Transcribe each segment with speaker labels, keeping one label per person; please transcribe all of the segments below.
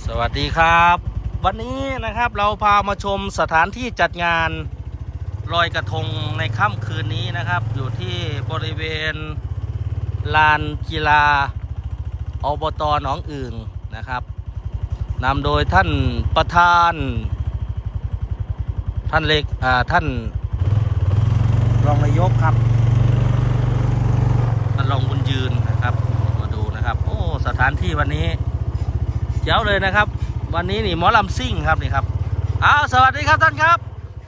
Speaker 1: สวัสดีครับวันนี้นะครับเราพามาชมสถานที่จัดงานลอยกระทงในค่ำคืนนี้นะครับอยู่ที่บริเวณลานกีฬาอบต.หนองอึ่งนะครับนำโดยท่านประธานท่านเล็กท่านรองนายกครับท่านรองบุญยืนนะครับมาดูนะครับโอ้สถานที่วันนี้เจ๋วเลยนะครับวันนี้นี่หมอลำซิ่งครับนี่ครับสวัสดีครับท่านครับ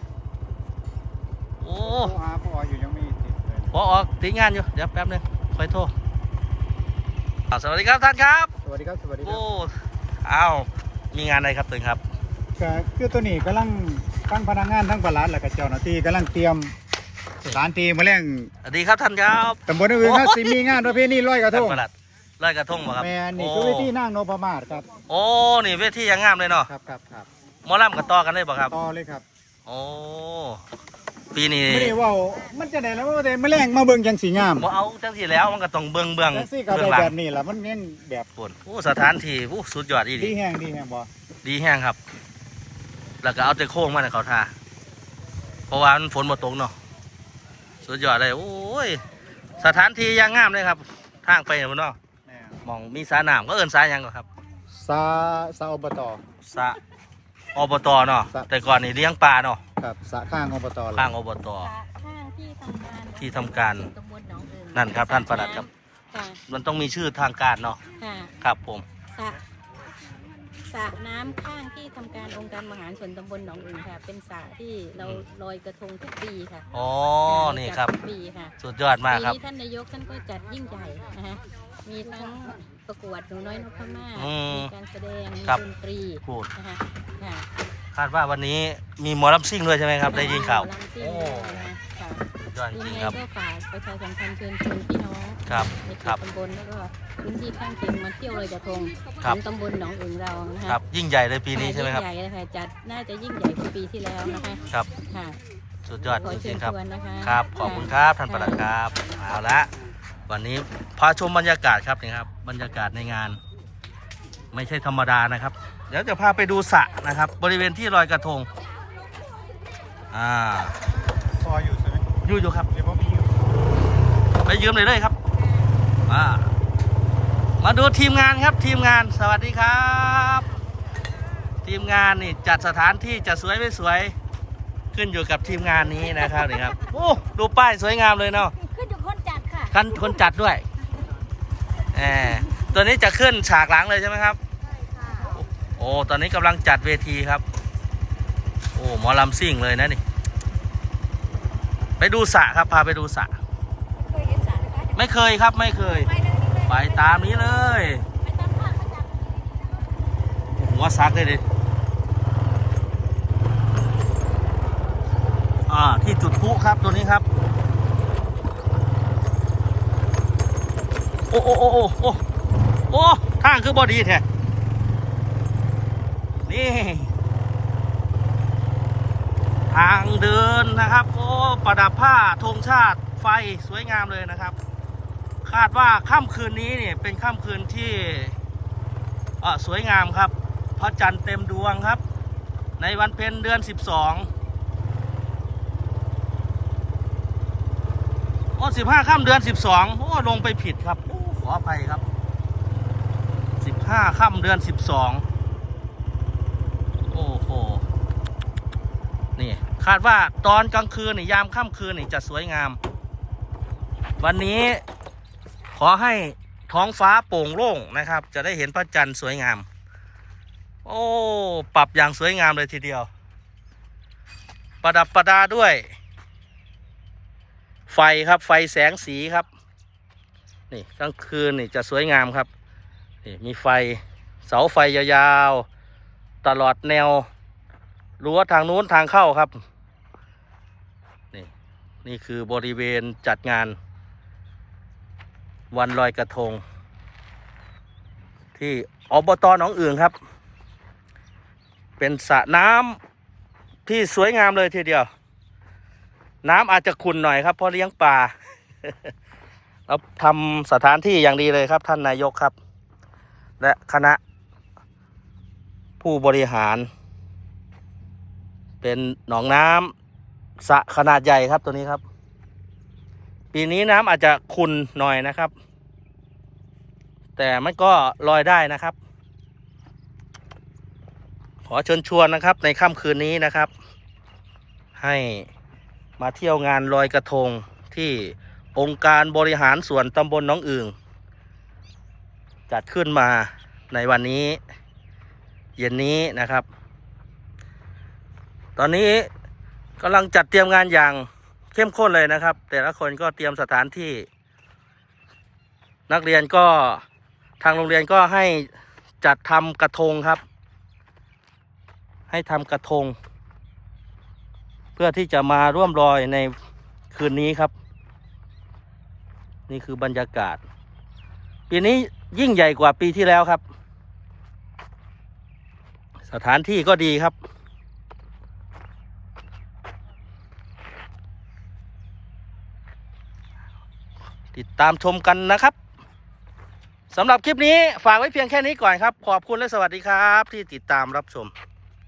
Speaker 1: โอ้
Speaker 2: หาพ่ออยู่ยังไม่ติดเลย
Speaker 1: พอออกติดงานอยู่เดี๋ยวแป๊บนึงค่อยโทรสวัสดีครับท่านครับ
Speaker 2: สวัสดีครับสวัสดีครั
Speaker 1: โอ้
Speaker 2: บ
Speaker 1: มีงานอะไรครับตึงครับ
Speaker 2: คือตัวนี้กำลังตั้งพนักงานทั้งประหลัดและก็เจ้าหน้าที่กำลังเตรียมสถานที่มาเลี้ยง
Speaker 1: สวัสดีครับท่านครับ
Speaker 2: ตำบลอื่นครับสิมีงานประเพณีลอยกระทง
Speaker 1: ประหลัดลอยกระทงบ่ครับ
Speaker 2: แม่นี่คือเวทีนางนพมาศครับ
Speaker 1: โอ้นี่เวทียังงามเลยเนาะ
Speaker 2: ครับ
Speaker 1: หมอลำกับต่อกันเลยบ่ครับ
Speaker 2: ต่อเลยครับ
Speaker 1: โอ้ปีนี้
Speaker 2: ไม่ได้ว่ามันจะได้แล้วว่าแต่มาแรงมาเบิ่งจังสีงาม
Speaker 1: บ่เอาจังสีแล้วมันก็ต้องเบิ่ง
Speaker 2: จังสีก็ได้แบบนี้แหละมันเน้นแบบ
Speaker 1: โอ้สถานที่สุดยอดอีหลี
Speaker 2: ดีแห้งบ่
Speaker 1: ดีแห้งครับแล้วก็เอาแต่โค้งมาในเขาท่าเพราะว่ามันฝนมาตกเนาะสุดยอดเลยโอ้ยสถานที่ยังงามเลยครับทางไปเนี่ยมันเนาะมองมีสระน้ำก็เอิ้นสระยังก็ครับ
Speaker 2: สาอบต.
Speaker 1: สระอบต.เนาะแต่ก่อนนี่เลี้ยงปลาเนาะ
Speaker 2: ครับสระข้างอบต.
Speaker 1: ข้างอบต.
Speaker 3: ข้าง
Speaker 1: ที่ทำการ
Speaker 3: ตำบลหนองเอิง
Speaker 1: นั่นครับท่านปลัดครับมันต้องมีชื่อทางการเนาะครับผม
Speaker 3: สระน้ำข้างที่ทำการองค์การมหาส่วนตำบลหนองอึ่งค่ะเป็นสระที่เราลอยกระทงทุกปีค่ะ
Speaker 1: อ๋อนี่ครับ
Speaker 3: ปีค่ะ
Speaker 1: สุดยอดมากครับ
Speaker 3: ปีนี้ท่านนายกท่านก็จัดยิ่งใหญ่นะฮะมีทั้งประกวดหนูน้อยนพมาศมีการแสดงมีดนตรีนะคะ
Speaker 1: คาดว่าวันนี้มีหมอลำซิ่งด้วยใช่ไหมครับได้ยินข่าว
Speaker 3: โอ้
Speaker 1: ยอดจริงครับ
Speaker 3: ก็ฝากประชาสัมพันธ์เชิญชวนพี่น้องในเขตตำบลแล้วก็พื้นที่ข้างเคียงมาเที่ยวลอยกระทงของตำบลหนองอึ่งเรานะคะ
Speaker 1: ยิ่งใหญ่เลยปีนี้ใช่ไหมครับ
Speaker 3: ยิ่งใหญ่เลยค่ะจัดน่าจะยิ่งใหญ่กว่าปีที่แล้วนะคะ
Speaker 1: ครับ
Speaker 3: ค่ะ
Speaker 1: สุดยอดจริงครับ
Speaker 3: ครับ
Speaker 1: ขอบคุณครับท่านประหลัดครับเอาละวันนี้พาชมบรรยากาศครับนี่ครับบรรยากาศในงานไม่ใช่ธรรมดานะครับเดี๋ยวจะพาไปดูสระนะครับบริเวณที่ลอยกระทง
Speaker 2: พออยู่ใช่ไหม
Speaker 1: อยู่ครับ
Speaker 2: เดี๋ยวผมไปยืม
Speaker 1: เลยครับมาดูทีมงานครับทีมงานสวัสดีครับทีมงานนี่จัดสถานที่จะสวยไม่สวยขึ้นอยู่กับทีมงานนี้นะครับนี่ครับโอ้ดูป้ายสวยงามเลยเนาะ
Speaker 3: ขึ้นอยู่คนจัดค่ะ
Speaker 1: คนจัดด้วยตัวนี้จะขึ้นฉากหลังเลยใช่ไหมครับโอ้ตอนนี้กำลังจัดเวทีครับโอ้หมอลำซิ่งเลยนะนี่ไปดูสระครับพาไปดูสระไม่เคยครับไม่เคยไปตามนี้เลยหัวซักเลยดิที่จุดพลุครับตัวนี้ครับโอ้ทางคือบอดีแท้นี่ทางเดินนะครับโอ้ประดับผ้าธงชาติไฟสวยงามเลยนะครับคาดว่าค่ำคืนนี้เนี่ยเป็นค่ำคืนที่สวยงามครับพระจันทร์เต็มดวงครับในวันเพ็ญเดือน1215 ค่ำเดือน12ลงไปผิดครับขออภัยครับ15 ค่ำเดือน12โอ้โหนี่คาดว่าตอนกลางคืนนี่ยามค่ำคืนนี่จะสวยงามวันนี้ขอให้ท้องฟ้าโปร่งโล่งนะครับจะได้เห็นพระจันทร์สวยงามโอ้ปรับอย่างสวยงามเลยทีเดียวประดับประดาด้วยไฟครับไฟแสงสีครับนี่กลางคืนนี่จะสวยงามครับนี่มีไฟเสาไฟยาวๆตลอดแนวรั้วทางนู้นทางเข้าครับนี่คือบริเวณจัดงานวันลอยกระทงที่อบต.หนองอึ่งครับเป็นสระน้ำที่สวยงามเลยทีเดียวน้ำอาจจะขุ่นหน่อยครับเพราะเลี้ยงปลาแล้วทำสถานที่อย่างดีเลยครับท่านนายกครับและคณะผู้บริหาร เป็นหนองน้ำสระขนาดใหญ่ครับตัวนี้ครับ ปีนี้น้ำอาจจะขุ่นหน่อยนะครับ แต่มันก็ลอยได้นะครับ ขอเชิญชวนนะครับในค่ำคืนนี้นะครับ ให้มาเที่ยวงานลอยกระทงที่องค์การบริหารส่วนตำบลหนองอึ่งจัดขึ้นมาในวันนี้เย็นนี้นะครับ ตอนนี้กำลังจัดเตรียมงานอย่างเข้มข้นเลยนะครับ แต่ละคนก็เตรียมสถานที่ นักเรียนก็ทางโรงเรียนก็ให้จัดทำกระทงครับ ให้ทำกระทง เพื่อที่จะมาร่วมลอยในคืนนี้ครับ นี่คือบรรยากาศ ปีนี้ยิ่งใหญ่กว่าปีที่แล้วครับ สถานที่ก็ดีครับ ติดตามชมกันนะครับสำหรับคลิปนี้ฝากไว้เพียงแค่นี้ก่อนครับ ขอบคุณและสวัสดีครับที่ติดตามรับชม